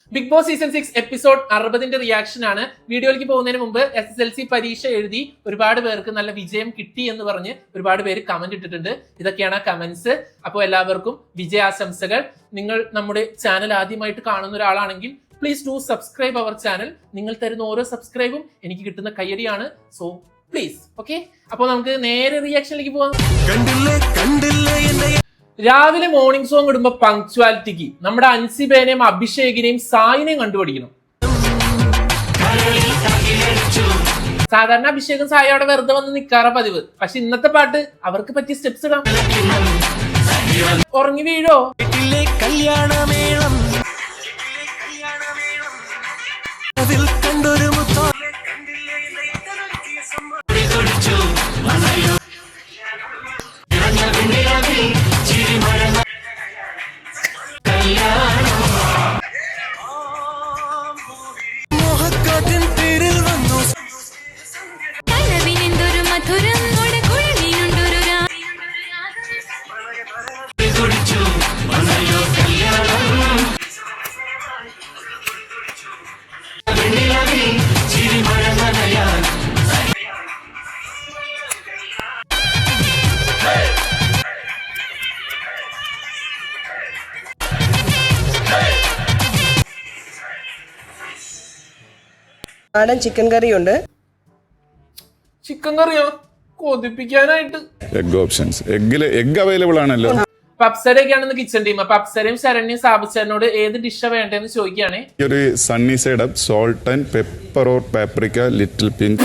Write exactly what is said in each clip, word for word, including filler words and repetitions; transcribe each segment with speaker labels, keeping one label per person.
Speaker 1: Big Boss season six episode അറുപതിന്റെ reaction ആണ്. വീഡിയോയിലേക്ക് പോകുന്നതിന് മുമ്പ് എസ് എസ് എൽ സി പരീക്ഷ എഴുതി ഒരുപാട് പേർക്ക് നല്ല വിജയം കിട്ടി എന്ന് പറഞ്ഞ് ഒരുപാട് പേര് കമന്റ് ഇട്ടിട്ടുണ്ട്. ഇതൊക്കെയാണ് കമന്റ്സ്. അപ്പോൾ എല്ലാവർക്കും വിജയാശംസകൾ. നിങ്ങൾ നമ്മുടെ ചാനൽ ആദ്യമായിട്ട് കാണുന്ന ഒരാളാണെങ്കിൽ please do subscribe our channel. നിങ്ങൾ തരുന്ന ഓരോ സബ്സ്ക്രൈബും എനിക്ക് കിട്ടുന്ന കയ്യടിയാണ്. So please okay. അപ്പോൾ നമുക്ക് നേരെ റിയാക്ഷനിലേക്ക് പോകാം. രാവിലെ മോർണിംഗ് സോങ് ഇടുമ്പോ പങ്ക്ച്വാലിറ്റിക്ക് നമ്മുടെ അൻസിബേനെയും അഭിഷേകിനെയും സായിനെയും കണ്ടുപിടിക്കണം. സാധാരണ അഭിഷേകും സായി അവിടെ വെറുതെ വന്ന് നിക്കാറ പതിവ്. പക്ഷെ ഇന്നത്തെ പാട്ട് അവർക്ക് പറ്റിയ സ്റ്റെപ്സ് ഇടാം. ഉറങ്ങി വീഴോ?
Speaker 2: നാടൻ ചിക്കൻ കറി ഉണ്ട്.
Speaker 1: ചിക്കൻ കറിയോ? കൊതിപ്പിക്കാനായിട്ട്
Speaker 3: എഗ് ഓപ്ഷൻസ്. എഗ്ഗില് എഗ് അവൈലബിൾ ആണല്ലോ.
Speaker 1: പപ്സരയൊക്കെയാണെന്ന് കിച്ചൺ ടീം. പപ്സരയും ശരണ്യും സാബുച്ചേനോട് ഏത് ഡിഷ വേണ്ടെന്ന് ചോദിക്കുകയാണ്.
Speaker 3: ഒരു sunny side up, salt and pepper or paprika, little pinch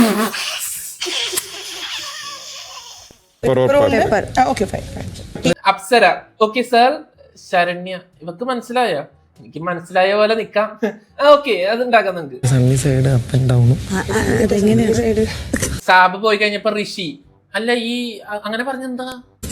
Speaker 1: Apsara. Okay sir. Saranya, ഇവക്ക് മനസ്സിലായോ? എനിക്ക് മനസ്സിലായ പോലെ നിക്കാം. ഓക്കെ, അത് ഉണ്ടാക്കാം നമുക്ക്.
Speaker 4: Sunny side up and down.
Speaker 1: സാബ് പോയി കഴിഞ്ഞപ്പോ ഋഷി. അല്ല, ഈ അങ്ങനെ പറഞ്ഞെന്താ?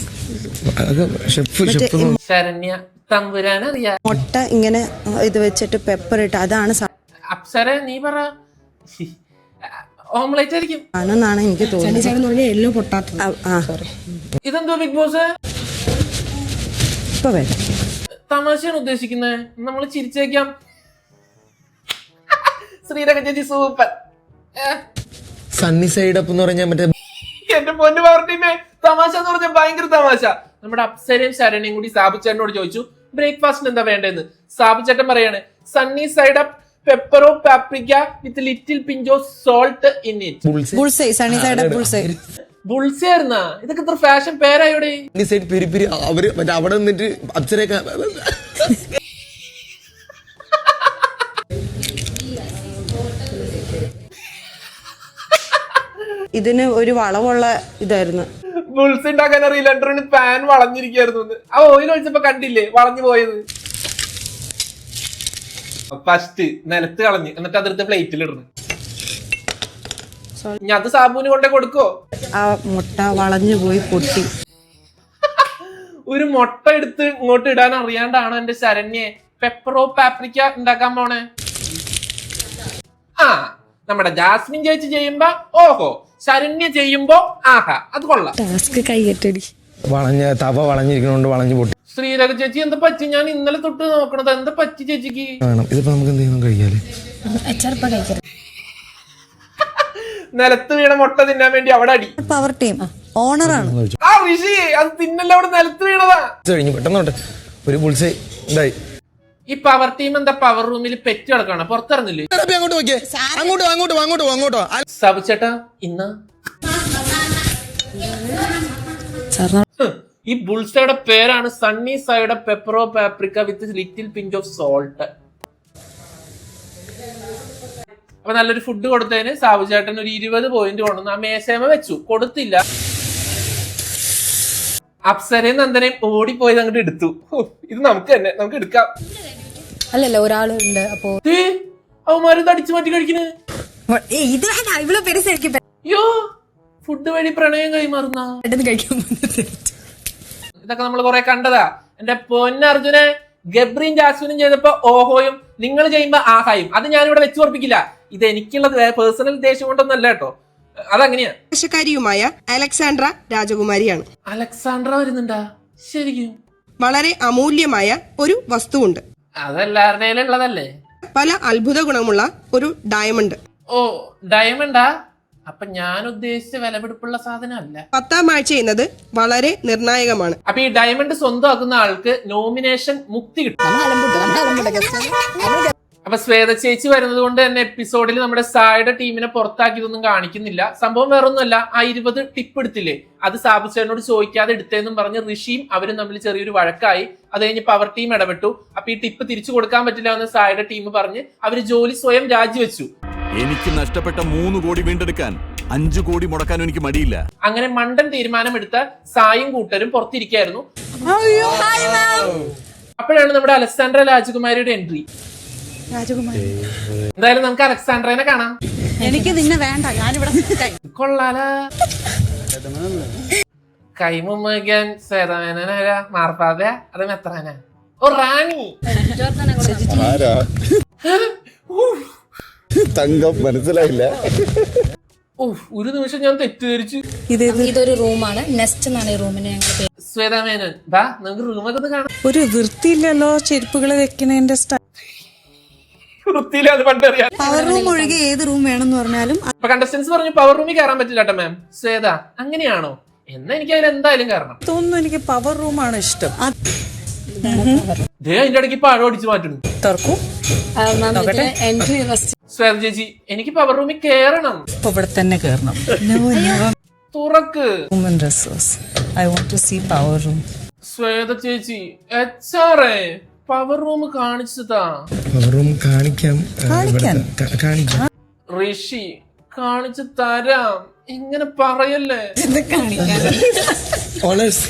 Speaker 1: ശരണ്യ തമ്പുരാൻ അറിയാ.
Speaker 5: മുട്ട ഇങ്ങനെ ഇത് വെച്ചിട്ട് പെപ്പർ ഇട്ട് അതാണ്.
Speaker 1: അപ്സര നീ പറ. ഓംലേറ്റ് ആയിരിക്കും
Speaker 5: ആണെന്നാണ് എനിക്ക് തോന്നുന്നത്.
Speaker 1: ഇതെന്തോ ബിഗ് ബോസ്
Speaker 5: ഇപ്പൊ വരാം.
Speaker 1: തമാശയാണ് ഉദ്ദേശിക്കുന്നത്. നമ്മൾ ചിരിച്ചേക്കാം. ശ്രീരംഗ ചേച്ചി സൂപ്പർ.
Speaker 4: സണ്ണി സൈഡ് അപ്പ് എന്ന് പറഞ്ഞാൽ മറ്റേ
Speaker 1: എന്റെ പൊന്നു പവർ ടീമേ, തമാശ എന്ന് പറഞ്ഞാൽ ഭയങ്കര തമാശ. നമ്മുടെ അപ്സരയും ശരണ്യും കൂടി സാബുച്ചേട്ടനോട് ചോദിച്ചു ബ്രേക്ക്ഫാസ്റ്റിന് എന്താ വേണ്ടതെന്ന്. സാബുച്ചേട്ടൻ പറയാണ് സണ്ണി സൈഡ് അപ്പ്, പെപ്പറോ പാപ്രിക്ക വിത്ത് ലിറ്റിൽ പിഞ്ചോ salt in it.
Speaker 5: Bullseye, sunny side up bullseye.
Speaker 1: Bullseye ആയിരുന്നാ? ഇതൊക്കെ ഇത്ര ഫാഷൻ പേരായോടെ.
Speaker 4: Sunny side peri peri. അവര് മറ്റേ അവിടെ നിന്നിട്ട് അപ്സരയൊക്കെ
Speaker 5: ഇതിന് ഒരു വളവുള്ള ഇതായിരുന്നു.
Speaker 1: ബുൾസ് ഉണ്ടാക്കാൻ അറിയില്ല. പാൻ വളഞ്ഞിരിക്കായിരുന്നു. ആ ഓയിൽ ഒഴിച്ചപ്പോ കണ്ടില്ലേ വളഞ്ഞു പോയത്. ഫസ്റ്റ് നിലത്ത് കളഞ്ഞ് എന്നിട്ട് അതെടുത്ത് പ്ലേറ്റിൽ ഇടുന്നു. ഞാൻ അത് സാബുവിന് കൊണ്ടേ കൊടുക്കോ?
Speaker 5: ആ മുട്ട വളഞ്ഞു പോയി പൊട്ടി.
Speaker 1: ഒരു മുട്ട എടുത്ത് ഇങ്ങോട്ട് ഇടാൻ അറിയാണ്ടാണോ എന്റെ ശരണ്യെ പെപ്പറോ പാപ്രിക്ക ഉണ്ടാക്കാൻ പോണേ? ആ, നമ്മുടെ ജാസ്മിൻ ചേച്ചി ചെയ്യുമ്പോ ഓഹോ, ശരണ്യ ചെയ്യുമ്പോ ആഹാ, അത് കൊള്ളാം.
Speaker 4: വളഞ്ഞ തവ വളഞ്ഞിരിക്കണോണ്ട് വളഞ്ഞു പൊട്ടി.
Speaker 1: ശ്രീരേഖ ചേച്ചി എന്താ പറ്റി? ഞാൻ ഇന്നലെ തൊട്ട് നോക്കണത്. എന്താ പറ്റി ചേച്ചിക്ക്?
Speaker 4: ഇതിപ്പോ നമുക്ക് എന്തെങ്കിലും കഴിക്കാല്ലേ?
Speaker 1: നിലത്ത് വീണ മുട്ട തിന്നാൻ വേണ്ടി അവിടെ അടി.
Speaker 5: പവർ ടീം ഓണറാണ്.
Speaker 1: ആ ഋഷി, അത് തിന്നല്ല, അവിടെ നിലത്ത് വീണതാ.
Speaker 4: കഴിഞ്ഞു പെട്ടെന്നോട്ടെ. ഒരു ബുൾസൈ ഉണ്ടായി.
Speaker 1: ഈ പവർ ടീം എന്താ പവർ റൂമിൽ പെറ്റ് കിടക്കാണ്, പുറത്തിറങ്ങില്ലേ?
Speaker 4: അങ്ങോട്ട് നോക്കിയേ, അങ്ങോട്ടോ അങ്ങോട്ടോ അങ്ങോട്ടോ അങ്ങോട്ടോ.
Speaker 1: സാബുച്ചേട്ടാ, ഇന്ന് ഈ ബുൾസയുടെ പേരാണ് സണ്ണി സൈഡ് പെപ്പറോ paprika with little pinch of salt. അപ്പൊ നല്ലൊരു ഫുഡ് കൊടുത്തതിന് സാബുചേട്ടൻ ഒരു ഇരുപത് പോയിന്റ് കൊണ്ടുവന്ന് ആ മേശമ വെച്ചു. കൊടുത്തില്ല. അപ്സരയും നന്ദനയും ഓടിപ്പോയത് അങ്ങോട്ട് എടുത്തു. ഇത് നമുക്ക് തന്നെ നമുക്ക് എടുക്കാം.
Speaker 6: അല്ലല്ല, ഒരാളുണ്ട്. അപ്പൊ
Speaker 1: അവന്മാരും അടിച്ചു മാറ്റി കഴിക്കുന്നത്. അയ്യോ, ഫുഡ് വഴി പ്രണയം കൈമാറുന്ന ഇതൊക്കെ നമ്മൾ കുറെ കണ്ടതാ. എന്റെ പൊന്നർജുനെ, ഗബ്രിയും ജാസ്മിനും ചെയ്തപ്പോ ഓഹോയും, നിങ്ങൾ ചെയ്യുമ്പോ ആഹായും. അത് ഞാനിവിടെ വെച്ച് ഉറപ്പിക്കില്ല. ഇത് എനിക്കുള്ള പേഴ്സണൽ ദേഷ്യം കൊണ്ടൊന്നല്ല കേട്ടോ. അതങ്ങനെയാ.
Speaker 2: ായ അലക്സാണ്ട്ര രാജകുമാരിയാണ്.
Speaker 1: അലക്സാണ്ട്ര വരുന്നുണ്ടാ? ശരിക്കും
Speaker 2: വളരെ അമൂല്യമായ ഒരു വസ്തുവുണ്ട്.
Speaker 1: അതെല്ലാവരുടെയും ഉള്ളതല്ലേ.
Speaker 2: പല അത്ഭുത ഗുണമുള്ള ഒരു ഡയമണ്ട്.
Speaker 1: ഓ ഡയമണ്ടാ? അപ്പൊ ഞാൻ ഉദ്ദേശിച്ച വിലപിടിപ്പുള്ള സാധനം അല്ല.
Speaker 2: പത്താം ആഴ്ച എന്നത് വളരെ നിർണായകമാണ്.
Speaker 1: അപ്പൊ ഈ ഡയമണ്ട് സ്വന്തമാക്കുന്ന ആൾക്ക് നോമിനേഷൻ മുക്തി കിട്ടും. അപ്പൊ ശ്വേത ചേച്ചി വരുന്നത് കൊണ്ട് തന്നെ എപ്പിസോഡിൽ നമ്മുടെ സായുടെ ടീമിനെ പുറത്താക്കിയതൊന്നും കാണിക്കുന്നില്ല. സംഭവം വേറൊന്നുമല്ല, ആ ഇരുപത് ടിപ്പ് എടുത്തില്ലേ, അത് സാബു ചേട്ടനോട് ചോദിക്കാതെ എടുത്തേന്നും പറഞ്ഞ് ഋഷിയും അവരും തമ്മിൽ ചെറിയൊരു വഴക്കായി. അത് കഴിഞ്ഞ് പവർ ടീം ഇടപെട്ടു. അപ്പൊ ഈ ടിപ്പ് തിരിച്ചു കൊടുക്കാൻ പറ്റില്ല എന്ന് സായുടെ ടീം പറഞ്ഞ് അവര് ജോലി സ്വയം രാജിവെച്ചു.
Speaker 7: എനിക്ക് നഷ്ടപ്പെട്ട മൂന്ന് കോടി വീണ്ടെടുക്കാൻ അഞ്ചു കോടി മുടക്കാനും എനിക്ക് മടിയില്ല.
Speaker 1: അങ്ങനെ മണ്ടൻ തീരുമാനമെടുത്ത സായും കൂട്ടരും പുറത്തിരിക്കായിരുന്നു. അപ്പോഴാണ് നമ്മുടെ അലക്സാണ്ട്ര രാജകുമാരിയുടെ എൻട്രി. എന്തായാലും നമുക്ക് അലക്സാണ്ട്രനെ കാണാം.
Speaker 5: എനിക്ക് നിന്നെ വേണ്ട, ഞാനിവിടെ
Speaker 1: കൊള്ളാല. കൈമുമ്മൻ സേതമേനോരാ മാർപ്പാത അത് മെത്രാന ഓ റാണി
Speaker 3: ആരാ തങ്കം മനസ്സിലായില്ല.
Speaker 1: ഒരു നിമിഷം ഞാൻ തെറ്റിദ്ധരിച്ചു.
Speaker 6: ഇതൊരു റൂമാണ്. നെസ്റ്റ് എന്നാണ് ഈ റൂമിന് ഞങ്ങൾ പേര്.
Speaker 1: ശ്വേതാമേനോൻ വാ നമുക്ക് റൂമൊക്കെ ഒന്ന് കാണാം.
Speaker 5: ഒരു വൃത്തിയില്ലല്ലോ ചെരുപ്പുകൾ വെക്കുന്നതിന്റെ സ്റ്റൈൽ.
Speaker 1: വൃത്തിയില്ല, അത് പണ്ടറിയാം.
Speaker 5: പവർ റൂം ഒഴികെ ഏത് റൂം വേണമെന്ന് പറഞ്ഞാലും
Speaker 1: അപ്പൊ കണ്ടസ്റ്റൻസ് പറഞ്ഞു പവർ റൂമിൽ കയറാൻ പറ്റില്ല കേട്ടോ മാം. ശ്വേത അങ്ങനെയാണോ? എന്നാ എനിക്ക് അതിൽ എന്തായാലും കയറണം
Speaker 5: തോന്നുന്നു. എനിക്ക് പവർ റൂമാണ് ഇഷ്ടം.
Speaker 1: ദേ അതിന്റെ ഇടയ്ക്ക് പഴം അടിച്ചു മാറ്റുന്നു.
Speaker 5: തുറക്കൂ.
Speaker 6: Entry first.
Speaker 1: ശ്വേത ചേച്ചി എനിക്ക് പവർ റൂമിൽ കയറണം.
Speaker 5: ഇപ്പൊ ഇവിടെ തന്നെ കയറണം.
Speaker 1: തുറക്ക്.
Speaker 5: I want to see power room.
Speaker 1: Shweta ചേച്ചി H R A power room കാണിച്ചതാ.
Speaker 4: റൂം കാണിക്കാം കാണിക്കാം
Speaker 1: ഋഷി കാണിച്ചു തരാം. ഇങ്ങനെ പറയല്ലേ.
Speaker 4: ഓണേഴ്സ്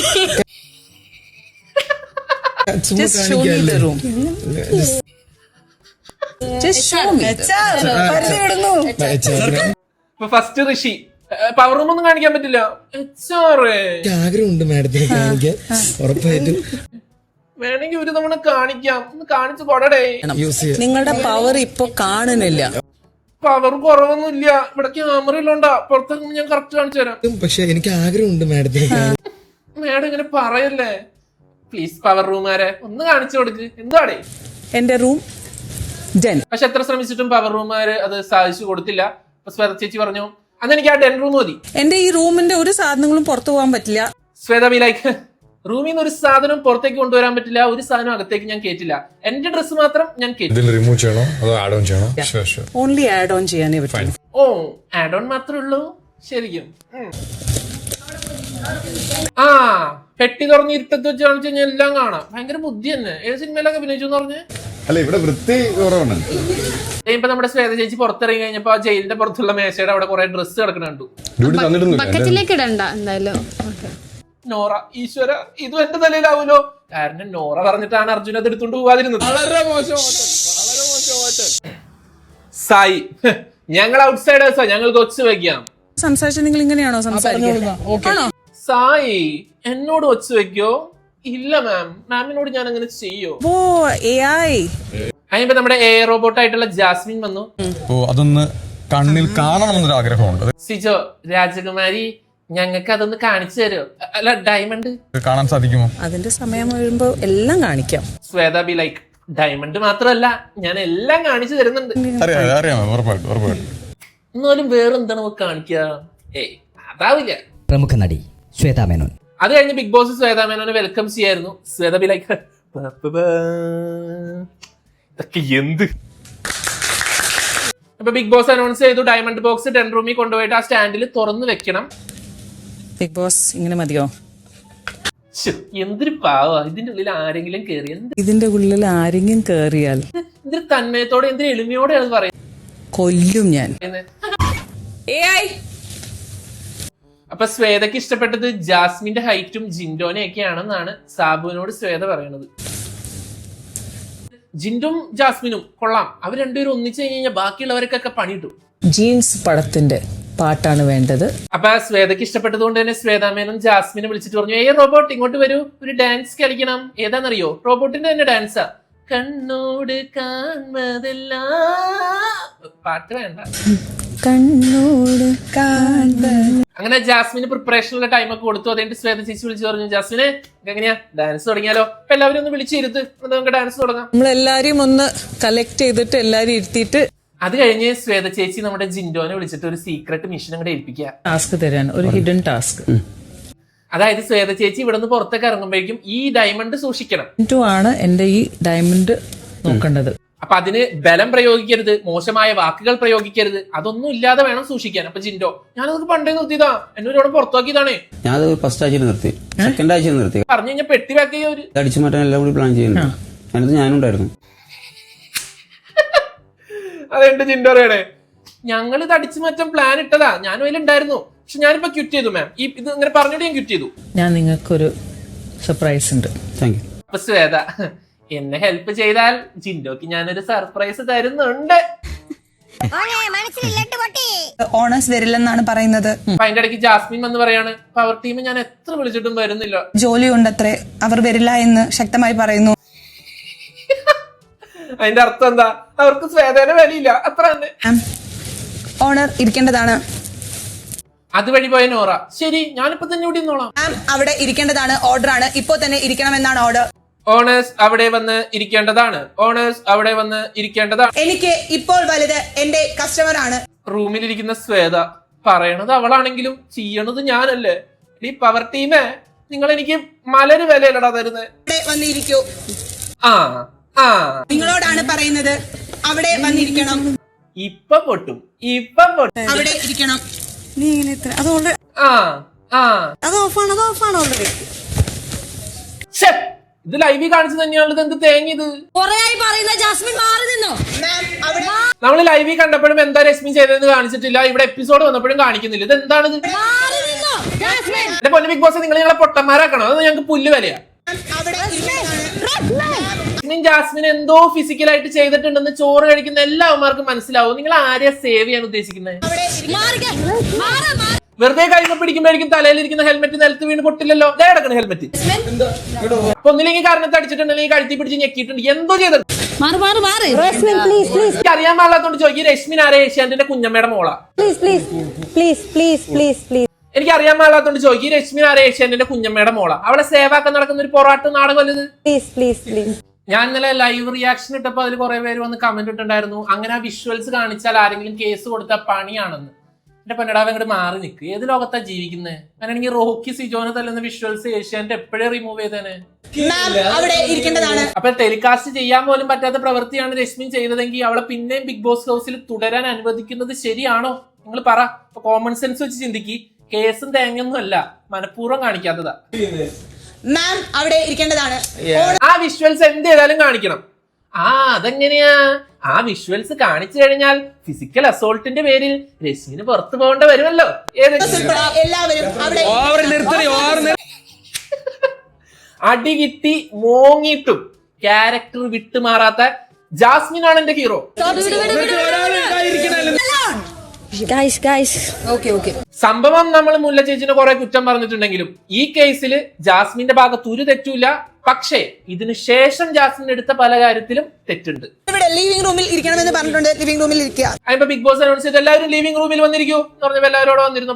Speaker 1: ഇപ്പൊ ഫസ്റ്റ് ഋഷി പവർ റൂം ഒന്നും കാണിക്കാൻ പറ്റില്ല. എച്ച് ആർ എ
Speaker 4: ആഗ്രഹമുണ്ട് മാഡത്തിന് കാണിക്കാൻ. ഉറപ്പായിട്ടും
Speaker 1: വേണമെങ്കിൽ ഒരു തവണ കാണിക്കാം. ഒന്ന് കാണിച്ചു കൊടടേ.
Speaker 5: നിങ്ങളുടെ പവർ ഇപ്പൊ കാണുന്നില്ല.
Speaker 1: പവർ കുറവൊന്നുമില്ല. ഇവിടെ ക്യാമറ ഇല്ലോണ്ടാ. പുറത്തിറങ്ങുമ്പോൾ ഞാൻ കറക്റ്റ് കാണിച്ചു തരാം.
Speaker 4: പക്ഷെ എനിക്ക് ആഗ്രഹമുണ്ട് മാഡത്തിന്.
Speaker 1: മേഡം ഇങ്ങനെ പറയല്ലേ പ്ലീസ്. പവർ റൂമാരെ ഒന്ന് കാണിച്ചു കൊടുക്ക്. എന്താടേ
Speaker 5: എന്റെ റൂം ഡെൻ.
Speaker 1: പക്ഷെ എത്ര ശ്രമിച്ചിട്ടും പവർ റൂമാര് അത് സാധിച്ചു കൊടുത്തില്ല. അപ്പൊ ശ്വേത ചേച്ചി പറഞ്ഞു അന്ന് എനിക്ക് ആ ഡെൻ റൂം മതി.
Speaker 5: എന്റെ ഈ റൂമിന്റെ ഒരു സാധനങ്ങളും പുറത്തു പോകാൻ പറ്റില്ല.
Speaker 1: ശ്വേത ബി ലൈക്ക് റൂമിൽ നിന്ന് ഒരു സാധനം പുറത്തേക്ക് കൊണ്ടുവരാൻ പറ്റില്ല, ഒരു സാധനം അകത്തേക്ക് ഞാൻ കേറ്റില്ല. എന്റെ ഡ്രസ് മാത്രം ഞാൻ കേറ്റി.
Speaker 3: റിമൂവ് ചെയ്യണോ അതോ ആഡ് ഓൺ ചെയ്യണോ?
Speaker 5: ഓൺലി ആഡ് ഓൺ ചെയ്യാനേ പറ്റും.
Speaker 1: ഓ ആഡ് ഓൺ മാത്രമേ ഉള്ളൂ ശരിക്കും. ആ പെട്ടി തുറന്ന് ഇരുട്ടത്ത് വെച്ച് കാണിച്ചു കഴിഞ്ഞാൽ എല്ലാം കാണാം. ഭയങ്കര ബുദ്ധി തന്നെ. ഏത് സിനിമയിലൊക്കെ അഭിനയിച്ചു എന്ന് പറഞ്ഞ്.
Speaker 3: അല്ല ഇവിടെ വൃത്തി കുറവാണ്.
Speaker 1: ഇപ്പൊ നമ്മുടെ ശ്വേത ചേച്ചി പുറത്തിറങ്ങി കഴിഞ്ഞപ്പോ ആ ജയിലിന്റെ പുറത്തുള്ള മേശയുടെ അവിടെ കുറെ ഡ്രസ്സ് കിടക്കണ കണ്ടു.
Speaker 6: ബക്കറ്റിലേക്ക് ഇടണ്ട എന്തായാലും.
Speaker 1: നോറ ഈശ്വര ഇതും എന്റെ തലയിലാവൂലോ. കാരണം നോറ പറഞ്ഞിട്ടാണ് അർജുന അത് എടുത്തോണ്ട് പോവാതിരുന്നത്. വളരെ മോശം വളരെ മോശം. സായി ഞങ്ങൾ ഔട്ട്സൈഡേഴ്സാ, ഞങ്ങൾക്ക് ഒച്ച വെക്കാം.
Speaker 5: സംസാരിച്ച നിങ്ങൾ ഇങ്ങനെയാണോ സംസാരിക്കുന്നത്?
Speaker 1: സായി എന്നോട് ഒച്ച വെക്കോ? ഇല്ല മാം, മാമിനോട് ഞാൻ അങ്ങനെ ചെയ്യോ?
Speaker 5: ഓ എ ഐ.
Speaker 1: അതിപ്പോ നമ്മുടെ എ റോബോട്ട് ആയിട്ടുള്ള ജാസ്മിൻ വന്നു.
Speaker 8: ഓ അതൊന്ന് കണ്ണിൽ കാണണമെന്നൊരു ആഗ്രഹമുണ്ട്.
Speaker 1: സിജോ രാജകുമാരി ഞങ്ങൾക്ക് അതൊന്ന് കാണിച്ചു തരുമോ? അല്ല ഡയമണ്ട്
Speaker 8: കാണാൻ സാധിക്കുമോ?
Speaker 5: അതിന്റെ സമയം വരുമ്പോ എല്ലാം കാണിക്കാം.
Speaker 1: ശ്വേത ബി ലൈക്ക് ഡയമണ്ട് മാത്രമല്ല ഞാൻ എല്ലാം കാണിച്ചു തരുന്നുണ്ട്.
Speaker 8: അറിയാം അറിയാം ഉറപ്പായിട്ടും ഉറപ്പായിട്ടും.
Speaker 1: എന്നാലും വേറെന്താണ് നമുക്ക് കാണിക്കുക? ഏയ് അതാവില്ല.
Speaker 9: പ്രമുഖ നടി ശ്വേതാ മേനോൻ.
Speaker 1: അത് കഴിഞ്ഞ് ബിഗ് ബോസ് ശ്വേതാ മേനോനെ വെൽക്കം ചെയ്യായിരുന്നു. ശ്വേത ബി ലൈക്ക് ഇതൊക്കെ എന്ത്. അപ്പൊ ബിഗ് ബോസ് അനൗൺസ് ചെയ്തു ഡയമണ്ട് ബോക്സ് ടെൻ റൂമിൽ കൊണ്ടുപോയിട്ട് ആ സ്റ്റാൻഡിൽ തുറന്നു വെക്കണം.
Speaker 5: ബിഗ് ബോസ് ഇങ്ങനെ മതിയോ?
Speaker 1: എന്തൊരു പാവാ. ഇതിന്റെ ഉള്ളിൽ ആരെങ്കിലും കേറി
Speaker 5: ഇതിന്റെ ഉള്ളിൽ ആരെങ്കിലും കേറിയാൽ
Speaker 1: എന്തൊരു തന്മയത്തോടെ എന്തൊരു എളിമയോടെയാണ് പറയുന്നത്.
Speaker 5: കൊല്ലും ഞാൻ.
Speaker 1: അപ്പൊ ശ്വേതയ്ക്ക് ഇഷ്ടപ്പെട്ടത് ജാസ്മിന്റെ ഹൈറ്റും ജിൻഡോനെയൊക്കെയാണെന്നാണ് സാബുവിനോട് ശ്വേത പറയണത്. ജിൻഡും ജാസ്മിനും കൊള്ളാം. അവർ രണ്ടുപേരും ഒന്നിച്ചു കഴിഞ്ഞാൽ ബാക്കിയുള്ളവർക്കൊക്കെ പണിയിട്ടു.
Speaker 5: ജീൻസ് പടത്തിന്റെ പാട്ടാണ് വേണ്ടത്.
Speaker 1: അപ്പൊ ശ്വേതയ്ക്ക് ഇഷ്ടപ്പെട്ടത് കൊണ്ട് തന്നെ ശ്വേതാമേനും ജാസ്മിനെ വിളിച്ചിട്ട് പറഞ്ഞു ഏ റോബോട്ട് ഇങ്ങോട്ട് വരൂ, ഒരു ഡാൻസ് കളിക്കണം. ഏതാണെന്നറിയോ? റോബോട്ടിന്റെ തന്നെ ഡാൻസാ. കണ്ണോട് കാൺമതെല്ലാം പാട്ട് വേണ്ട.
Speaker 5: കണ്ണോട് കാണുന്നത്.
Speaker 1: അങ്ങനെ ജാസ്മിന് പ്രിപ്പറേഷനുള്ള ടൈം ഒക്കെ കൊടുത്തു. അതുകൊണ്ട് ശ്വേത ചേച്ചി വിളിച്ചു പറഞ്ഞു, ജാസ്മിന് എങ്ങനെയാ ഡാൻസ് തുടങ്ങിയാലോ? അപ്പൊ എല്ലാവരും ഒന്ന് വിളിച്ചിരുത്ത്, നമുക്ക് ഡാൻസ് തുടങ്ങാം.
Speaker 5: നമ്മളെല്ലാരെയും ഒന്ന് കളക്ട് ചെയ്തിട്ട് എല്ലാരും ഇരുത്തിയിട്ട്
Speaker 1: അത് കഴിഞ്ഞ് ശ്വേത ചേച്ചി നമ്മുടെ ജിൻഡോനെ വിളിച്ചിട്ട് ഒരു സീക്രട്ട് മിഷൻ അങ്ങോട്ട് ഏൽപ്പിക്കുക.
Speaker 5: ടാസ്ക് തരാൻ, ഒരു ഹിഡൻ ടാസ്ക്.
Speaker 1: അതായത് ശ്വേത ചേച്ചി ഇവിടെ നിന്ന് പുറത്തേക്ക് ഇറങ്ങുമ്പോഴേക്കും ഈ ഡയമണ്ട് സൂക്ഷിക്കണം.
Speaker 5: ജിൻഡോ ആണ് എന്റെ ഈ ഡയമണ്ട് നോക്കേണ്ടത്.
Speaker 1: അപ്പൊ അതിന് ബലം പ്രയോഗിക്കരുത്, മോശമായ വാക്കുകൾ പ്രയോഗിക്കരുത്, അതൊന്നും ഇല്ലാതെ വേണം സൂക്ഷിക്കാൻ. അപ്പൊ ജിൻഡോ, ഞാനതൊക്കെ പണ്ടേ നിർത്തിയതാ, എന്നോട് ഇവിടെ പുറത്താക്കിയതാണ്.
Speaker 10: ഞാനത് ഫസ്റ്റ് ആഴ്ചയിൽ നിർത്തി, സെക്കൻഡ് ആഴ്ചയിൽ നിർത്തി.
Speaker 1: പറഞ്ഞു കഴിഞ്ഞാൽ പെട്ടി പാക്ക് ചെയ്യാ ഒരു
Speaker 10: അടിച്ചു മാറ്റാൻ എല്ലാം കൂടി പ്ലാൻ ചെയ്യുന്നു. അതിനകത്ത് ഞാനും ഉണ്ടായിരുന്നു.
Speaker 1: അതെന്റെ ജിൻഡോ പറയണേ, ഞങ്ങൾ ഇത് അടിച്ചു മാറ്റാൻ പ്ലാൻ ഇട്ടതാ, ഞാനും അതിലുണ്ടായിരുന്നു, പക്ഷെ ഞാനിപ്പോ ക്വിറ്റ് ചെയ്തു മാം. ഈ ഇത് ഇങ്ങനെ പറഞ്ഞിട്ട് ഞാൻ ക്വിറ്റ് ചെയ്തു.
Speaker 5: ഞാൻ നിങ്ങൾക്കൊരു സർപ്രൈസ് ഉണ്ട്.
Speaker 10: Thank you.
Speaker 1: അപ്പൊ ശ്വേത, എന്നെ ഹെൽപ്പ് ചെയ്താൽ ജിൻഡോക്ക് ഞാനൊരു സർപ്രൈസ് തരുന്നുണ്ട്.
Speaker 2: ഓണേഴ്സ് വരില്ലെന്നാണ് പറയുന്നത്.
Speaker 1: അപ്പൊ അതിന്റെ ഇടയ്ക്ക് ജാസ്മിൻ വന്ന് പറയാണ്, പവർ ടീം ഞാൻ എത്ര വിളിച്ചിട്ടും വരുന്നില്ല,
Speaker 2: ജോലി ഉണ്ടത്രേ, അവർ വരില്ല എന്ന് ശക്തമായി പറയുന്നു.
Speaker 1: അതിന്റെ അർത്ഥം എന്താ? അവർക്ക് ശ്വേതയുടെ വിലയില്ല, അത്ര തന്നെ.
Speaker 2: ഓണർ ഇരിക്കേണ്ടതാണ്.
Speaker 1: അതുവഴി പോയ നോറ, ശരി ഞാനിപ്പോ തന്നെ ഇവിടെ നിന്നോളാം.
Speaker 2: അവിടെ ഇരിക്കേണ്ടതാണ്, ഓർഡർ ആണ്, ഇപ്പോ തന്നെ ഇരിക്കണമെന്നാണ് ഓർഡർ.
Speaker 1: ഓണേഴ്സ് അവിടെ വന്ന് ഇരിക്കേണ്ടതാണ്, ഓണേഴ്സ് അവിടെ വന്ന് ഇരിക്കേണ്ടതാണ്.
Speaker 2: എനിക്ക് ഇപ്പോൾ വലുത് എന്റെ കസ്റ്റമർ ആണ്.
Speaker 1: റൂമിലിരിക്കുന്ന ശ്വേത പറയണത് അവളാണെങ്കിലും ചെയ്യണത് ഞാനല്ലേ. ഈ പവർ ടീമേ, നിങ്ങൾ എനിക്ക് മലര് വിലയല്ലടാ തരുന്നത്.
Speaker 2: അവിടെ വന്നിരിക്കൂ.
Speaker 1: ആ ആ
Speaker 2: നിങ്ങളോടാണ് പറയുന്നത്, അവിടെ വന്നിരിക്കണം.
Speaker 1: ഇപ്പൊ പൊട്ടും, ഇപ്പൊ പൊട്ടും.
Speaker 2: അവിടെ ഇരിക്കണം.
Speaker 1: ആ ആ
Speaker 2: അത് ഓഫാണ്, അത് ഓഫാണ് ഓൾറെഡി.
Speaker 1: ഇത് ലൈവിൽ കാണിച്ചു തന്നെയാണത്. എന്ത് തേങ്ങ ഇത്? നമ്മൾ ലൈവിൽ കണ്ടപ്പോഴും എന്താ രശ്മി ചെയ്തതെന്ന് കാണിച്ചിട്ടില്ല, ഇവിടെ എപ്പിസോഡ് വന്നപ്പോഴും കാണിക്കുന്നില്ല. ഇത് എന്താണിത്? എന്റെ പൊന്നു ബിഗ് ബോസ്, നിങ്ങൾ ഞങ്ങളെ പൊട്ടന്മാരാക്കണോ? അത് ഞങ്ങൾക്ക് പുല്ല് വിലയാ. ജാസ്മിൻ എന്തോ ഫിസിക്കലായിട്ട് ചെയ്തിട്ടുണ്ടെന്ന് ചോറ് കഴിക്കുന്ന എല്ലാവർക്കും മനസ്സിലാവും. നിങ്ങൾ ആരെയാ സേവ് ചെയ്യാൻ ഉദ്ദേശിക്കുന്നത്? വെറുതെ കൈമ പിടിക്കുമ്പോഴേക്കും തലയിലിരിക്കുന്ന ഹെൽമെറ്റ് നിലത്ത് വീണ് പൊട്ടില്ലല്ലോ. ദേ കിടക്കണ ഹെൽമെറ്റ്. അപ്പൊ ഒന്നില്ലെങ്കിൽ കാരണത്ത് അടിച്ചിട്ടുണ്ടെങ്കിൽ കഴുത്തി പിടിച്ച് ഞെക്കിയിട്ടുണ്ട്, എന്തോ ചെയ്തിട്ടുണ്ട്. എനിക്ക് അറിയാൻ പാടില്ലാത്തോണ്ട് ചോദിക്കും, രശ്മിൻ ആരെ? ഏഷ്യാന്റെ കുഞ്ഞമ്മയുടെ മോളാ. എനിക്ക് അറിയാൻ പാടില്ലാത്തോണ്ട് ചോദിക്കും, രശ്മിൻ ആരെ? ഏഷ്യാന്റെ കുഞ്ഞമ്മയുടെ മോളാ. അവളെ സേവാക്കാൻ നടക്കുന്ന ഒരു പൊറാട്ട് നാടകം അല്ലത്. ഞാൻ ഇന്നലെ ലൈവ് റിയാക്ഷൻ ഇട്ടപ്പോ അതിൽ കുറെ പേര് വന്ന് കമന്റ് ഇട്ടുണ്ടായിരുന്നു, അങ്ങനെ ആ വിഷ്വൽസ് കാണിച്ചാൽ ആരെങ്കിലും കേസ് കൊടുത്താൽ പണിയാണെന്ന്. എന്റെ പൊന്നടാവ് അങ്ങോട്ട് മാറി നിൽക്ക്. ഏത് ലോകത്താ ജീവിക്കുന്നത്? അങ്ങനെയാണെങ്കിൽ റോക്കി സിജോനെ തല്ലുന്ന വിഷ്വൽസ് ഏഷ്യാന്റെ എപ്പോഴേ റിമൂവ് ചെയ്തേനെ. അപ്പൊ ടെലികാസ്റ്റ് ചെയ്യാൻ പോലും പറ്റാത്ത പ്രവൃത്തിയാണ് രശ്മിൻ ചെയ്തതെങ്കിൽ അവളെ പിന്നെയും ബിഗ് ബോസ് ഹൗസിൽ തുടരാൻ അനുവദിക്കുന്നത് ശരിയാണോ? നിങ്ങൾ പറ. കോമൺ സെൻസ് വെച്ച് ചിന്തിക്ക്. കേസും തേങ്ങൊന്നും അല്ല, മനഃപൂർവ്വം കാണിക്കാത്തതാ.
Speaker 2: മാം അവിടെ ഇരിക്കേണ്ടതാണ്.
Speaker 1: ആ വിഷ്വൽസ് എന്ത് ചെയ്താലും കാണിക്കണം. ആ അതെങ്ങനെയാ? ആ വിഷ്വൽസ് കാണിച്ചു കഴിഞ്ഞാൽ ഫിസിക്കൽ അസോൾട്ടിന്റെ പേരിൽ രശ്മിന് പുറത്തു പോകേണ്ട വരുമല്ലോ. അടി കിട്ടി മോങ്ങിയിട്ടും ക്യാരക്ടർ വിട്ടുമാറാത്ത ജാസ്മിൻ ആണ് എന്റെ ഹീറോ. സംഭവം നമ്മൾ മുല്ല ചേച്ചിനെ കുറെ കുറ്റം പറഞ്ഞിട്ടുണ്ടെങ്കിലും ഈ കേസിൽ ജാസ്മിന്റെ ഭാഗത്ത് ഒരു തെറ്റൂല. പക്ഷേ ഇതിനു ശേഷം ജാസ്മിൻ എടുത്ത പല കാര്യത്തിലും തെറ്റുണ്ട്.
Speaker 2: ലിവിംഗ് റൂമിൽ ഇരിക്കണമെന്ന് പറഞ്ഞിട്ടുണ്ട്, ലിവിംഗ് റൂമിൽ ഇരിക്കുക.
Speaker 1: അതിപ്പോ ബിഗ് ബോസ് അനൗൺസ് ചെയ്ത് എല്ലാവരും ലിവിംഗ് റൂമിൽ വന്നിരിക്കൂ എന്ന് പറഞ്ഞപ്പോ എല്ലാവരോടും വന്നിരുന്നു.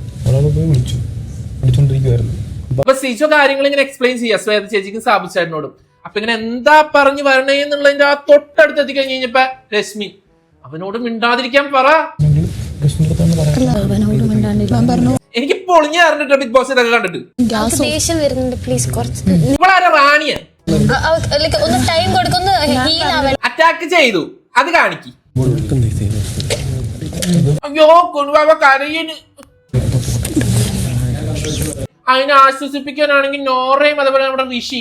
Speaker 1: അപ്പൊ സിജോ കാര്യങ്ങൾ ഇങ്ങനെ എക്സ്പ്ലെയിൻ ചെയ്യാം ശ്വേത ചേച്ചിക്കും സാബു ചേട്ടനോടും. അപ്പൊ ഇങ്ങനെ എന്താ പറഞ്ഞു വരണേ എന്നുള്ളതിന്റെ ആ തൊട്ടടുത്ത് എത്തി കഴിഞ്ഞ് കഴിഞ്ഞപ്പോ രശ്മി അവനോട് മിണ്ടാതിരിക്കാൻ പറ. എനിക്ക് പൊളിഞ്ഞു പറഞ്ഞിട്ട് ബിഗ് ബോസ് ഇതൊക്കെ കണ്ടിട്ട്
Speaker 6: ദേഷ്യം വരുന്നുണ്ട്. പ്ലീസ് കുറച്ച്
Speaker 1: ഇവളാരെ റാണിയ
Speaker 6: ഒന്ന് ടൈം കൊടുക്കുന്നു.
Speaker 1: അറ്റാക്ക് ചെയ്തു, അത് കാണിക്ക്. അയ്യോ കുടുംബ കരയിന്. അതിനെ ആശ്വസിപ്പിക്കാനാണെങ്കിൽ നോറയും അതുപോലെ നമ്മുടെ ഋഷിയും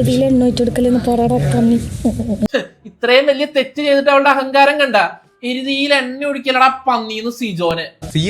Speaker 1: ഇത്രയും വലിയ തെറ്റ് ചെയ്തിട്ട് അവളുടെ അഹങ്കാരം കണ്ട എരുതിയിൽ എണ്ണ ഒഴിക്കലടാ പന്നീന്ന് സിജോനെ.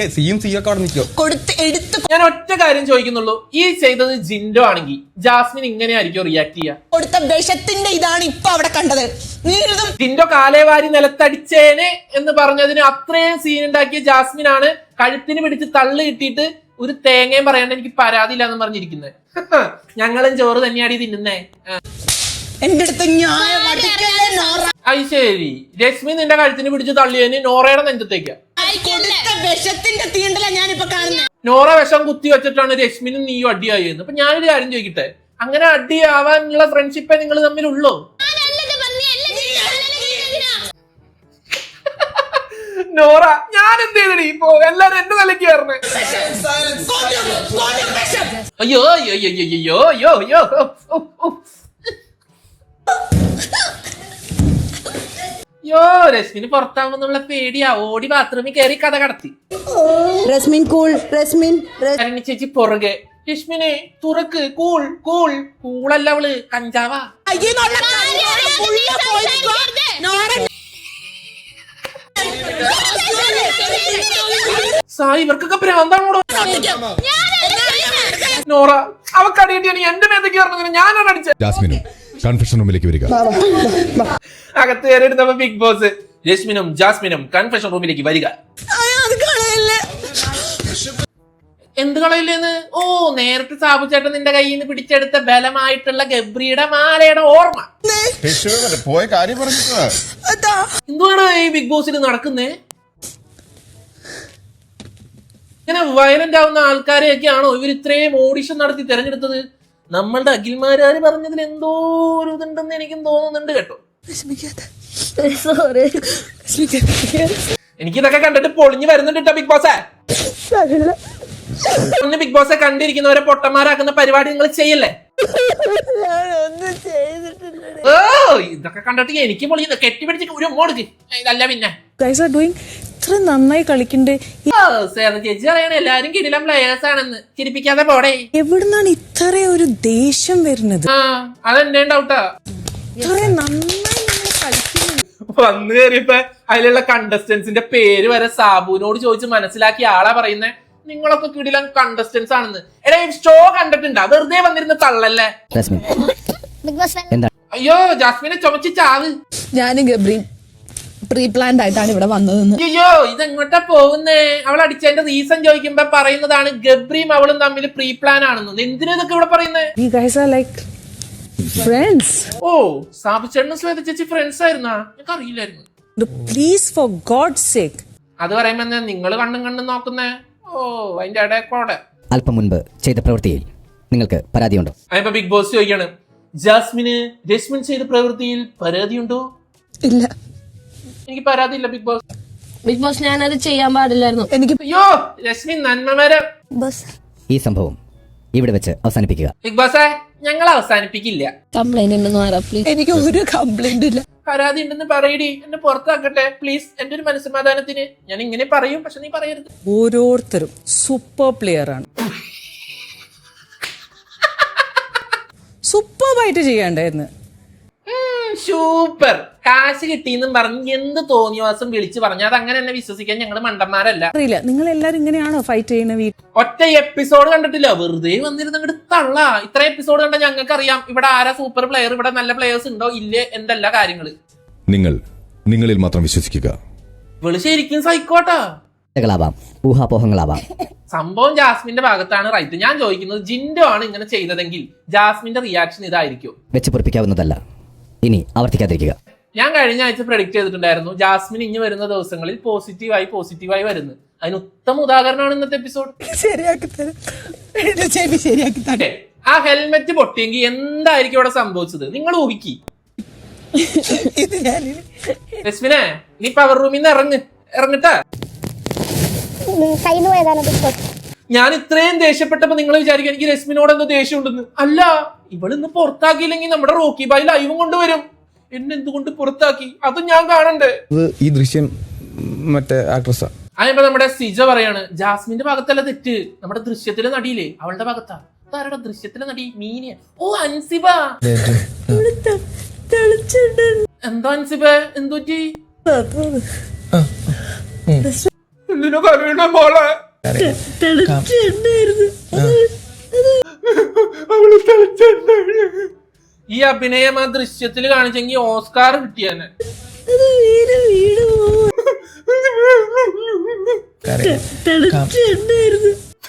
Speaker 1: ഞാൻ ഒറ്റ കാര്യം ചോദിക്കുന്നുള്ളൂ, ഈ ചെയ്തത് ജിൻഡോ ആണെങ്കിൽ ജാസ്മിൻ ഇങ്ങനെയായിരിക്കും റിയാക്ട് ചെയ്യാ?
Speaker 2: കൊടുത്ത വിഷത്തിന്റെ ഇതാണ് ഇപ്പൊ അവിടെ കണ്ടത്.
Speaker 1: ജിൻഡോ കാലേവാരി നിലത്തടിച്ചേനെ എന്ന് പറഞ്ഞതിന് അത്രയും സീൻ ഉണ്ടാക്കിയ ജാസ്മിൻ ആണ് കഴുത്തിന് പിടിച്ച് തള്ളു കിട്ടിയിട്ട് ഒരു തേങ്ങയും പറയാണ്ട് എനിക്ക് പരാതിയില്ല എന്ന് പറഞ്ഞിരിക്കുന്നത്. ഞങ്ങളും ചോറ് തന്നെയാണ് തിന്നുന്നേ.
Speaker 2: എന്റെ അടുത്ത് ന്യായം അടിക്കല്ലേ നോറ.
Speaker 1: അത് ശരി, രശ്മി നിന്റെ കഴുത്തിന് പിടിച്ച് തള്ളിയതിന് നോറയുടെ നെഞ്ചത്തേക്കാ.
Speaker 2: കൊടുത്ത വിഷത്തിന്റെ തീണ്ടല ഞാനിപ്പോ കാണുന്നത്.
Speaker 1: നോറ വിഷം കുത്തി വെച്ചിട്ടാണ് രശ്മിനും നീയും അടിയായിരുന്നു. അപ്പൊ ഞാനൊരു കാര്യം ചോദിക്കട്ടെ, അങ്ങനെ അടിയാവാനുള്ള ഫ്രണ്ട്ഷിപ്പേ നിങ്ങൾ തമ്മിലുള്ളൂ? നോറ, ഞാൻ എന്ത് ചെയ്തടി? ഇപ്പൊ എല്ലാരും എന്റെ നിലയ്ക്ക് കയറണേ. അയ്യോ അയ്യോ അയ്യോ അയ്യോ അയ്യോ അയ്യോ യോ രശ്മിന് പുറത്താവുന്നുള്ള പേടിയാ. ഓടി ബാത്റൂമിൽ കയറി കഥ കടത്തി.
Speaker 2: റസ്മിൻ കൂൾ, റസ്മിൻ
Speaker 1: കരണി ചേച്ചി പുറകെ, രശ്മിനെ തുറക്ക്, കൂൾ കൂൾ. കൂളല്ല അവള്, കഞ്ചാവാ. സായി, ഇവർക്കൊക്കെ ഭ്രാന്താണോടോ? നോറ, അവക്കടിയിട്ടാണ് എന്റെ മേത്തേക്ക് പറഞ്ഞത്. ഞാനാണ് അടിച്ചത്.
Speaker 8: ജാസ്മിനും കൺഫെഷൻ റൂമിലേക്ക് വരിക.
Speaker 1: അകത്ത് കയറിയിരുന്നപ്പോ ബിഗ് ബോസ്, രശ്മിനും ജാസ്മിനും കൺഫെഷൻ റൂമിലേക്ക് വരിക. എന്ത് കളയില്ലേന്ന്? ഓ, നേരത്തെ സാബു ചേട്ടൻ നിന്റെ കയ്യിൽ നിന്ന് പിടിച്ചെടുത്ത ബലമായിട്ടുള്ള ഗബ്രിയുടെ മാലയുടെ ഓർമ്മ.
Speaker 3: പോയ കാര്യം പറഞ്ഞിട്ട്
Speaker 1: എന്തുവാണ് ഈ ബിഗ് ബോസിൽ നടക്കുന്നേ? ഇങ്ങനെ വയലന്റ് ആവുന്ന ആൾക്കാരെയൊക്കെയാണോ ഇവർ ഇത്രയും ഓഡിഷൻ നടത്തി തിരഞ്ഞെടുത്തത്? നമ്മളുടെ അഖിൽമാരാര് പറഞ്ഞതിൽ എന്തോ ഒരു ഇതുണ്ടെന്ന് എനിക്കും തോന്നുന്നുണ്ട് കേട്ടോ. എനിക്കിതൊക്കെ കണ്ടിട്ട് പൊളിഞ്ഞു വരുന്നുണ്ട് കേട്ടോ ബിഗ് ബോസേ. ഒന്ന് ബിഗ് ബോസെ കണ്ടിരിക്കുന്നവരെ പൊട്ടന്മാരാക്കുന്ന പരിപാടി നിങ്ങൾ ചെയ്യല്ലേ? ഓ, ഇതൊക്കെ കണ്ടിട്ട് എനിക്ക് പൊളിയുന്നു. കെട്ടിപ്പിടിച്ച് ഒരു മോടുക്ക് ഇതല്ല പിന്നെ
Speaker 5: ഇത്ര നന്നായി കളിക്കണ്ടേ.
Speaker 1: ചേച്ചി പറയണ എല്ലാരും കിടിലം പ്ലേയേഴ്സ് ആണെന്ന്. ചിരിപ്പിക്കാതെ പോടേ.
Speaker 5: എവിടുന്നാണ് ഇത്ര ഒരു ദേഷ്യം വരുന്നത്?
Speaker 1: ആ, അതെന്നെ ഡൗട്ടാ.
Speaker 5: ഇത്ര നന്നായി കളിക്കുന്നു.
Speaker 1: വന്നു കയറിയപ്പോ അതിലുള്ള കണ്ടസ്റ്റൻസിന്റെ പേര് വരെ സാബുവിനോട് ചോദിച്ച് മനസ്സിലാക്കിയ ആളാ പറയുന്നേ. നിങ്ങളൊക്കെ കിടിലം കണ്ടസ്റ്റൻസ് ആണെന്ന്. എടാ, ഷോ കണ്ടിട്ടുണ്ടാ? വെറുതെ വന്നിരുന്ന തള്ളല്ലേ. അയ്യോ, ജാസ്മിനെ ചുമച്ച് ചാവ്.
Speaker 5: ഞാനും ഗബ്രിയും പ്രീ പ്ലാൻഡ് ആയിട്ടാണ് ഇവിടെ വന്നതെന്ന്.
Speaker 1: അയ്യോ, ഇതെങ്ങോട്ടാ പോകുന്നേ? അവൾ അടിച്ചതിന്റെ റീസൺ ചോദിക്കുമ്പോ പറയുന്നതാണ് ഗബ്രിയും അവളും തമ്മിൽ പ്രീ പ്ലാൻ ആണെന്ന്. എന്തിനാ ഇതൊക്കെ ഇവിടെ പറയുന്നേ?
Speaker 5: We guys are like friends.
Speaker 1: ഓ, സാബു ചേട്ടനും ശ്വേത ചേച്ചി ഫ്രണ്ട്സ് ആയിരുന്നാ? എനിക്ക് അറിയില്ലായിരുന്നു.
Speaker 5: Please, for God's sake.
Speaker 1: അത് പറയുമ്പോ നിങ്ങൾ കണ്ണും കണ്ണും നോക്കുന്നേ. ഓ, അതിന്റെ ഇടയ്ക്കോടെ
Speaker 9: അല്പം മുൻപ് ചെയ്ത പ്രവൃത്തിയിൽ നിങ്ങൾക്ക് പരാതിയുണ്ടോ?
Speaker 1: അതിപ്പോ ബിഗ് ബോസ് ചോദിക്കാണ്, ജാസ്മിന് രശ്മിൻ ചെയ്ത പ്രവൃത്തിയിൽ പരാതിയുണ്ടോ?
Speaker 5: ഇല്ല,
Speaker 1: എനിക്ക് പരാതി ഇല്ല ബിഗ് ബോസ്.
Speaker 6: ബിഗ് ബോസ് ഞാനത് ചെയ്യാൻ പാടില്ലായിരുന്നു.
Speaker 5: എനിക്ക്
Speaker 1: അയ്യോ, രശ്മി നന്മമര.
Speaker 9: ഈ സംഭവം ഇവിടെ വെച്ച് അവസാനിപ്പിക്കുക.
Speaker 1: ബിഗ് ബോസേ, ഞങ്ങൾ അവസാനിപ്പിക്കില്ല.
Speaker 6: കംപ്ലൈന്റ് ഉണ്ടെന്ന് പറയാം പ്ലീസ്.
Speaker 5: എനിക്ക് ഒരു കംപ്ലൈന്റ് ഇല്ല.
Speaker 1: പരാതി ഉണ്ടെന്ന് പറയടി, എന്നെ പുറത്താക്കട്ടെ പ്ലീസ്. എന്റെ ഒരു മനസ്സമാധാനത്തിന് ഞാൻ ഇങ്ങനെ പറയും, പക്ഷെ നീ പറയരുത്.
Speaker 5: ഓരോരുത്തരും സൂപ്പർ പ്ലെയർ ആണ്. സൂപ്പർബായിട്ട് ചെയ്യണ്ടായിരുന്നു.
Speaker 1: സൂപ്പർ. കാശ് കിട്ടിയെന്നും പറഞ്ഞ് എന്ത് തോന്നിയവാസം വിളിച്ചു പറഞ്ഞാൽ അത് അങ്ങനെ തന്നെ വിശ്വസിക്കാൻ ഞങ്ങൾ മണ്ടന്മാരല്ല.
Speaker 5: അറിയില്ല, നിങ്ങൾ എല്ലാരും ഇങ്ങനെയാണോ ഫൈറ്റ് ചെയ്യുന്നത്?
Speaker 1: ഒറ്റ എപ്പിസോഡ് കണ്ടിട്ടില്ല, വെറുതെ വന്നിരുന്ന അങ്ങോട്ട് തള്ള. ഇത്ര എപ്പിസോഡ് കണ്ട ഞങ്ങൾക്ക് അറിയാം ഇവിടെ ആരാ സൂപ്പർ പ്ലെയർ, ഇവിടെ നല്ല പ്ലെയേഴ്സ് ഉണ്ടോ ഇല്ലേ എന്തെല്ലാ കാര്യങ്ങള്.
Speaker 8: നിങ്ങൾ നിങ്ങളിൽ മാത്രം വിശ്വസിക്കുക.
Speaker 1: ഇവള് ശരിക്കും സൈക്കോട്ടാ.
Speaker 9: ാവാം ഊഹാപോഹങ്ങളാവാം.
Speaker 1: സംഭവം ജാസ്മിന്റെ ഭാഗത്താണ് റൈറ്റ്. ഞാൻ ചോദിക്കുന്നത്, ജിൻഡോ ആണ് ഇങ്ങനെ ചെയ്തതെങ്കിൽ ജാസ്മിന്റെ റിയാക്ഷൻ ഇതായിരിക്കും?
Speaker 9: വെച്ച് പൊറിപ്പിക്കാവുന്നതല്ല, ഇനി ആവർത്തിക്കാതിരിക്കുക.
Speaker 1: ഞാൻ കഴിഞ്ഞ ആഴ്ച പ്രഡിക്ട് ചെയ്തിട്ടുണ്ടായിരുന്നു ജാസ്മിൻ ഇനി വരുന്ന ദിവസങ്ങളിൽ പോസിറ്റീവായി പോസിറ്റീവായി വരുന്നത്. അതിന് ഉത്തമ ഉദാഹരണമാണ് ഇന്നത്തെ എപ്പിസോഡ്. ആ ഹെൽമെറ്റ് പൊട്ടിയെങ്കിൽ എന്തായിരിക്കും ഇവിടെ സംഭവിച്ചത്? നിങ്ങൾ ഊഹിക്കി. ജസ്മിനെ, നീ പവർ റൂമിൽ നിന്ന് ഇറങ്ങ് ഇറങ്ങിട്ടാ. ഞാൻ ഇത്രയും ദേഷ്യപ്പെട്ടപ്പോ നിങ്ങൾ വിചാരിക്കും എനിക്ക് രശ്മിനോട് എന്തോ ദേഷ്യം ഉണ്ടെന്ന്. അല്ല, ഇവളിന്ന് പുറത്താക്കിയില്ലെങ്കിൽ നമ്മുടെ റോക്കി ബായി ലൈവും കൊണ്ടുവരും. എന്നെ എന്തുകൊണ്ട് പുറത്താക്കി അത് ഞാൻ കാണണ്ടേ?
Speaker 4: ഈ ദൃശ്യം മറ്റേ ആക്ട്രസാ.
Speaker 1: അതിപ്പോ നമ്മുടെ സിജ പറയാണ്, ജാസ്മിന്റെ ഭാഗത്തല്ല തെറ്റ്, നമ്മുടെ ദൃശ്യത്തിലെ നടിയില്ലേ അവളുടെ ഭാഗത്താ. ആരുടെ ദൃശ്യത്തിലെ നടി? മീനിയ. ഓ, അൻസിബ. എന്താ അൻസിബ, എന്തുപറ്റി? എന്തിനാ കരയണ മോളെ? ഈ അഭിനയം ആ ദൃശ്യത്തിൽ കാണിച്ചെങ്കിൽ ഓസ്കാർ കിട്ടിയാനെ.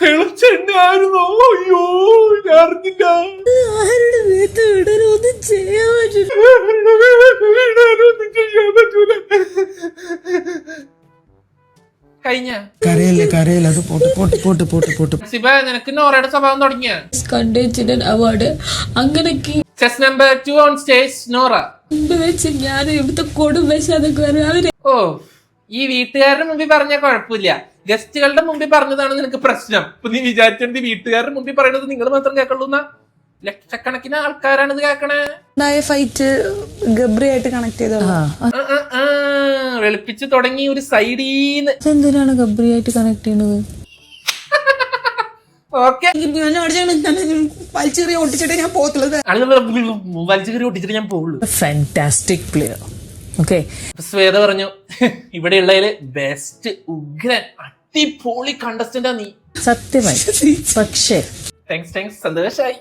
Speaker 1: ചെണ്ണായിരുന്നോ? അയ്യോ ഞാൻ അറിഞ്ഞില്ല.
Speaker 5: ആരുടെ വീട്ട് വിടരൊന്നും ചെയ്യാൻ പറ്റില്ല.
Speaker 1: കഴിഞ്ഞ
Speaker 4: കരയല്ലേ കരയല്ലേ അത് പോട്ട് പോട്ട് പോട്ട് പോട്ട് പോട്ട്
Speaker 1: സിബ, നിനക്ക് നോറയുടെ സ്വഭാവം തുടങ്ങിയ
Speaker 5: കണ്ടേച്ചിന്റെ അവാർഡ് അങ്ങനെയൊക്കെ
Speaker 1: chess number two on stage Nora.
Speaker 5: മുമ്പ് വെച്ച് ഞാൻ ഇവിടുത്തെ കൊടുംവശാതൊക്കെ വരും അവര്.
Speaker 1: ഓ, ഈ വീട്ടുകാരുടെ മുമ്പിൽ പറഞ്ഞ കുഴപ്പമില്ല, ഗസ്റ്റുകളുടെ മുമ്പിൽ പറഞ്ഞതാണ് നിനക്ക് പ്രശ്നം. ഇപ്പൊ നീ വിചാരിച്ചത് വീട്ടുകാരുടെ മുമ്പിൽ പറയുന്നത് നിങ്ങൾ മാത്രം കേൾക്കുള്ളൂ എന്നാ? ലക്ഷക്കണക്കിന് ആൾക്കാരാണ് ഇത് കേൾക്കണേ.
Speaker 2: ഫൈറ്റ് ഗബ്രിയായിട്ട് കണക്ട് ചെയ്തോ?
Speaker 1: വെളുപ്പിച്ച് തുടങ്ങി ഒരു സൈഡീന്ന്.
Speaker 5: എന്തിനാണ് ഗബ്രിയായിട്ട് കണക്ട് ചെയ്യുന്നത്?
Speaker 1: ഓക്കെ,
Speaker 2: വലിച്ചെറിയ ഒട്ടിച്ചിട്ട് ഞാൻ പോത്തുള്ളത്.
Speaker 1: വലിച്ചു കയറി ഒട്ടിച്ചിട്ട് ഞാൻ പോകുള്ളൂ.
Speaker 5: Fantastic player. ഓക്കെ,
Speaker 1: ശ്വേത പറഞ്ഞു ഇവിടെയുള്ളതില് ബെസ്റ്റ് ഉഗ്രൻ അടിപൊളി കണ്ടസ്റ്റന്റാ നീ.
Speaker 5: സത്യമായി. പക്ഷേ
Speaker 1: താങ്ക്സ് താങ്ക്സ് സന്തോഷായി.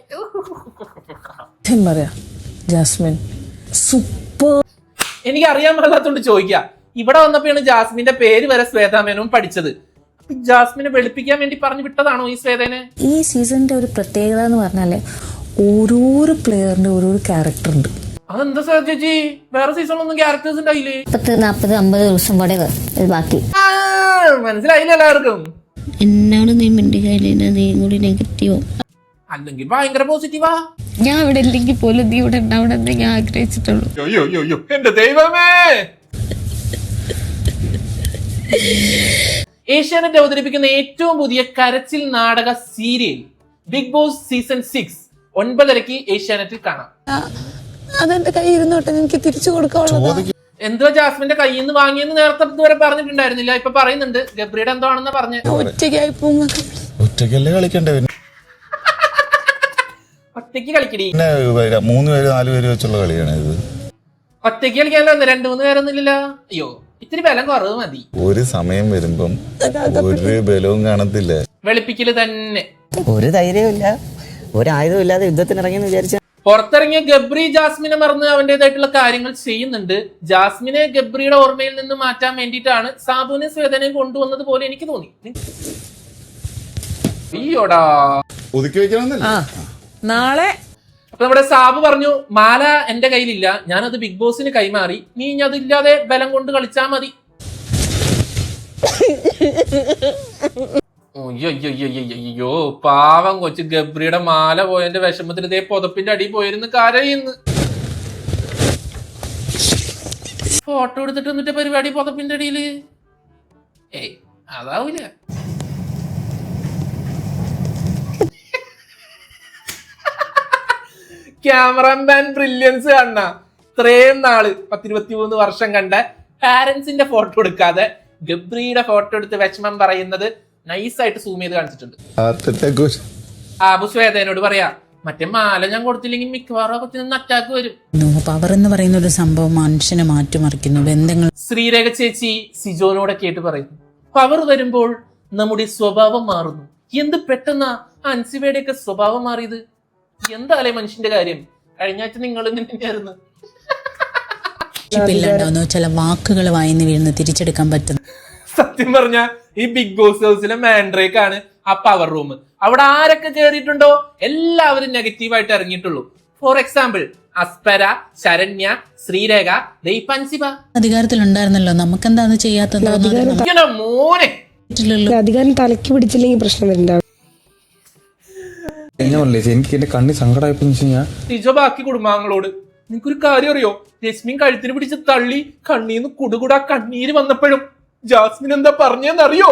Speaker 5: പറയാ ജാസ്മിൻ സൂപ്പർ.
Speaker 1: എനിക്ക് അറിയാൻ പാടില്ലാത്തോണ്ട് ചോദിക്കാം. ഇവിടെ വന്നപ്പോഴാണ് ജാസ്മിന്റെ പേര് വരെ ശ്വേതാമേനോൻ പഠിച്ചത്. അപ്പൊ ജാസ്മിനെ വെളുപ്പിക്കാൻ വേണ്ടി പറഞ്ഞു വിട്ടതാണോ ഈ ശ്വേതനെ?
Speaker 6: ഈ സീസണിന്റെ ഒരു പ്രത്യേകത എന്ന് പറഞ്ഞാല് ഓരോരോ പ്ലെയറിന്റെ ഓരോരോ ക്യാരക്ടർ ഉണ്ട്.
Speaker 1: അതെന്താ സാർ ചേച്ചി, വേറെ സീസണിലൊന്നും ക്യാരക്ടേഴ്സ് ഉണ്ടായില്ലേ?
Speaker 6: പത്ത് നാപ്പത് അമ്പത് ദിവസം കൂടെ ബാക്കി.
Speaker 1: മനസ്സിലായില്ല എല്ലാവർക്കും?
Speaker 6: എന്നോട് നീ മിണ്ടിക്കയില്ല, നീ കൂടി നെഗറ്റീവോ
Speaker 1: അല്ലെങ്കിൽ ഭയങ്കര പോസിറ്റീവാ.
Speaker 6: ഞാൻ ഇവിടെ ഇല്ലെങ്കിൽ പോലും നീ ഇവിടെ ഉണ്ടാവണമെന്ന് ഞാൻ ആഗ്രഹിച്ചിട്ടുള്ളൂ.
Speaker 1: എന്റെ ദൈവമേ. ഏഷ്യാനെറ്റ് അവതരിപ്പിക്കുന്ന ഏറ്റവും പുതിയ കരച്ചിൽ നാടക serial Big Boss season six ഒൻപതരക്ക് ഏഷ്യാനെറ്റിൽ കാണാം.
Speaker 5: അതെന്റെ കയ്യിൽ ഇരുന്നോട്ടെ, എനിക്ക് തിരിച്ചു കൊടുക്കാനുള്ളത്.
Speaker 1: എന്തോ ജാസ്മിന്റെ കയ്യിൽ നിന്ന് വാങ്ങിയെന്ന് നേരത്തെ ഇതുവരെ പറഞ്ഞിട്ടുണ്ടായിരുന്നില്ല, ഇപ്പൊ പറയുന്നുണ്ട്. ഗബ്രിയുടെ എന്തോ ആണെന്ന് പറഞ്ഞു.
Speaker 5: ഒറ്റയ്ക്കായി പോങ്ങ.
Speaker 3: ഒറ്റയ്ക്കല്ലേ കളിക്കണ്ടേ?
Speaker 1: ഒറ്റയ്ക്ക് കളിക്കടി.
Speaker 3: മൂന്ന് പേര് നാല് പേര് വെച്ചുള്ള കളിയാണ് ഇത്.
Speaker 1: ഒറ്റയ്ക്ക് കളിക്കാനല്ലോ, രണ്ടു മൂന്ന് പേരൊന്നും ഇല്ലല്ലോ. അയ്യോ, ഇത്തിരി ബലം കുറവ് മതി.
Speaker 3: ഒരു സമയം വരുമ്പം ഒരു ബലവും കാണത്തില്ല.
Speaker 1: വെളുപ്പിക്കല് തന്നെ.
Speaker 9: ഒരു ധൈര്യമില്ല, ഒരായുധം ഇല്ലാതെ യുദ്ധത്തിന് ഇറങ്ങിയെന്ന് വിചാരിച്ച
Speaker 1: പുറത്തിറങ്ങിയ ഗബ്രി ജാസ്മിനെ മറന്ന് അവന്റേതായിട്ടുള്ള കാര്യങ്ങൾ ചെയ്യുന്നുണ്ട്. ജാസ്മിനെ ഗബ്രിയുടെ ഓർമ്മയിൽ നിന്ന് മാറ്റാൻ വേണ്ടിയിട്ടാണ് സാബുവിനെ ശ്വേതനെയും കൊണ്ടുവന്നത് പോലെ എനിക്ക് തോന്നി. അയ്യോടാ,
Speaker 3: ഒതുക്കി വെക്കണമെന്നല്ല.
Speaker 5: നാളെ
Speaker 1: അപ്പൊ നമ്മുടെ സാബു പറഞ്ഞു, മാല എന്റെ കയ്യിലില്ല, ഞാനത് ബിഗ് ബോസിന് കൈമാറി, നീ ഇനി അതില്ലാതെ ബലം കൊണ്ട് കളിച്ചാ മതി. അയ്യോ, പാവം കൊച്ചു ഗബ്രിയുടെ മാല പോയതിന്റെ വിഷമത്തിൽ ഇതേ പുതപ്പിന്റെ അടി പോയിരുന്നു കരയുന്നു. ഫോട്ടോ എടുത്തിട്ട് എന്നിട്ട് പരിപാടി പുതപ്പിന്റെ അടിയില്. ഏയ് അതാവൂല. ക്യാമറമാൻ ബ്രില്യൻസ് കാണ. ഇത്രയും നാള് പത്തിരുപത്തി മൂന്ന് വർഷം കണ്ട പാരന്റ്സിന്റെ ഫോട്ടോ എടുക്കാതെ ഗബ്രിയുടെ ഫോട്ടോ എടുത്ത് വിഷമം പറയുന്നത് നൈസായിട്ട് സൂം ചെയ്ത് കാണിച്ചിട്ടുണ്ട്. ആബു ശ്വേതനോട് പറയാ, മറ്റേ മാല ഞാൻ കൊടുത്തില്ലെങ്കിൽ മിക്കവാറും കൊച്ചിന് അറ്റാക്ക് വരും.
Speaker 2: പവർ എന്ന് പറയുന്ന ഒരു സംഭവം മനുഷ്യനെ മാറ്റിമറിക്കുന്നു. ബന്ധങ്ങൾ.
Speaker 1: ശ്രീരേഖ ചേച്ചി സിജോനോടെ കേട്ട് പറയുന്നു, പവർ വരുമ്പോൾ നമ്മുടെ സ്വഭാവം മാറുന്നു. എന്ത് പെട്ടെന്നാ അൻസിബയുടെ ഒക്കെ സ്വഭാവം മാറിയത്? എന്താലേ മനുഷ്യന്റെ കാര്യം. കഴിഞ്ഞ ആഴ്ച നിങ്ങൾ തന്നെയായിരുന്നു.
Speaker 2: ചില വാക്കുകൾ വായിന്ന് വീഴുന്ന തിരിച്ചെടുക്കാൻ പറ്റുന്നു.
Speaker 1: സത്യം പറഞ്ഞ ഈ ബിഗ് ബോസ് ഹൗസിലെ മാൻഡ്രേക്ക് ആണ് ആ പവർ റൂം. അവിടെ ആരൊക്കെ കയറിയിട്ടുണ്ടോ എല്ലാവരും നെഗറ്റീവായിട്ട് ഇറങ്ങിയിട്ടുള്ളൂ. ഫോർ എക്സാമ്പിൾ അസ്പര, ശരണ്യ, ശ്രീരേഖ, ദൈപൻസിബ
Speaker 2: അധികാരത്തിൽ ഉണ്ടായിരുന്നല്ലോ, നമുക്കെന്താന്ന് ചെയ്യാത്തത്?
Speaker 1: മോനെ
Speaker 5: അധികാരം തലക്ക് പിടിച്ചില്ലെങ്കിൽ പ്രശ്നം വരണ്ട.
Speaker 8: എനിക്ക് എന്റെ കണ്ണി സങ്കടമായപ്പോ
Speaker 1: സിജോ ബാക്കി കുടുംബാംഗങ്ങളോട്, നിനക്കൊരു കാര്യം അറിയോ, ജസ്മിൻ കഴുത്തിന് പിടിച്ച് തള്ളി കണ്ണീന്ന് കുടുകുടാ കണ്ണീര് വന്നപ്പോഴും ജാസ്മിൻ എന്താ പറഞ്ഞെന്നറിയോ?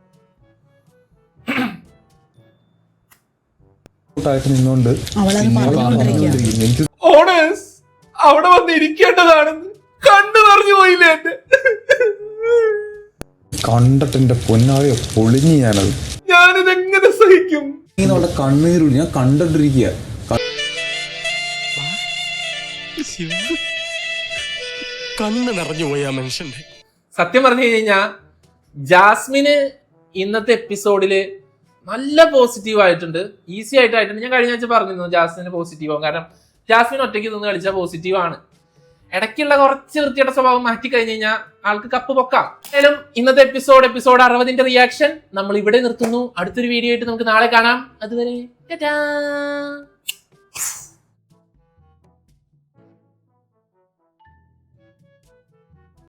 Speaker 8: നിന്നോണ്ട്
Speaker 1: ഓണേഴ്സ് അവിടെ വന്ന് ഇരിക്കേണ്ടതാണെന്ന് കണ്ണു പറഞ്ഞു പോയില്ലേ എന്റെ.
Speaker 8: കണ്ടിട്ട് എന്റെ പൊന്നാളിയോ പൊളിഞ്ഞു ഞാനത്.
Speaker 1: ഞാനിതെങ്ങനെ സഹിക്കും?
Speaker 8: അവിടെ കണ്ണീരുള്ളു, ഞാൻ കണ്ടിട്ടിരിക്കുക.
Speaker 7: കണ്ണ് നിറഞ്ഞു പോയ മനുഷ്യന്റെ.
Speaker 1: സത്യം പറഞ്ഞു കഴിഞ്ഞാ ജാസ്മിന് ഇന്നത്തെ എപ്പിസോഡില് നല്ല പോസിറ്റീവ് ആയിട്ടുണ്ട്, ഈസി ആയിട്ടായിട്ടുണ്ട്. ഞാൻ കഴിഞ്ഞ ആഴ്ച പറഞ്ഞിരുന്നു ജാസ്മിന് പോസിറ്റീവ് ആവും, കാരണം ജാസ്മിൻ ഒറ്റയ്ക്ക് നിന്ന് കളിച്ചാൽ പോസിറ്റീവ് ആണ്. ഇടയ്ക്കുള്ള കുറച്ച് വൃത്തിയുടെ സ്വഭാവം മാറ്റി കഴിഞ്ഞ് കഴിഞ്ഞാൽ ആൾക്ക് കപ്പ് പൊക്കാം. എന്തായാലും ഇന്നത്തെ എപ്പിസോഡ് എപ്പിസോഡ് അറുപതിന്റെ റിയാക്ഷൻ നമ്മൾ ഇവിടെ നിർത്തുന്നു. അടുത്തൊരു വീഡിയോ ആയിട്ട് നമുക്ക് നാളെ കാണാം. അതുവരെ ടാറ്റാ.